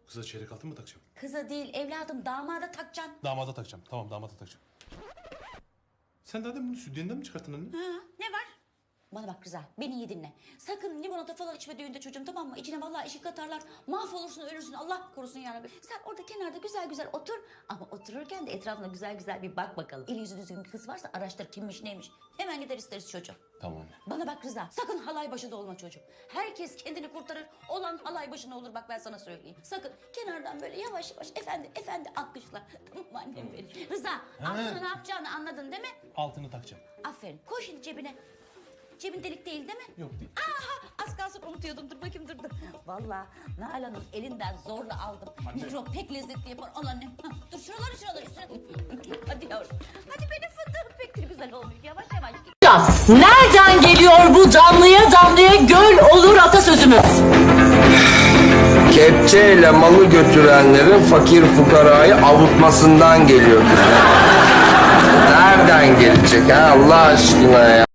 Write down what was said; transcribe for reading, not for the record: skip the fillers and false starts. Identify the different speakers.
Speaker 1: Kıza çeyrek altın mı takacağım?
Speaker 2: Kıza değil evladım, damada takacaksın.
Speaker 1: Damada takacağım. Tamam, damada takacağım. Sen daha demin bunu sütyenden mi çıkarttın anne?
Speaker 2: Ha, ne var? Bana bak Rıza, beni iyi dinle. Sakın limonata falan içme düğünde çocuğum, tamam mı? İçine vallahi eşik katarlar. Mahvolursun, ölürsün. Allah korusun yarabbi. Sen orada kenarda güzel güzel otur. Ama otururken de etrafına güzel güzel bir bak bakalım. Eli yüzü düzgün bir kız varsa araştır kimmiş neymiş. Hemen gider isteriz çocuğum.
Speaker 1: Tamam anne.
Speaker 2: Bana bak Rıza, sakın halay başı da olma çocuğum. Herkes kendini kurtarır, olan halay başına olur, bak ben sana söyleyeyim. Sakın kenardan böyle yavaş yavaş efendi alkışla. Tamam mı annem benim? Rıza, altına ne yapacağını anladın değil mi?
Speaker 1: Altını takacağım.
Speaker 2: Aferin, koy şimdi cebine. Cebin delik değil mi?
Speaker 1: Yok değil.
Speaker 2: Aha, az kalsın unutuyordum, dur bakayım dur. Vallahi Nalan'ın elinden zorla aldım. Mikrop pek lezzetli yapar, al annem. Hah, dur şuraları üstüne. Hadi yavrum, hadi benim fındığım pek de güzel olmuş, yavaş yavaş git.
Speaker 3: Nereden geliyor bu damlaya damlaya göl olur atasözümüz?
Speaker 4: Kepçeyle malı götürenlerin fakir fukarayı avutmasından geliyor. Nereden gelecek ha Allah aşkına ya?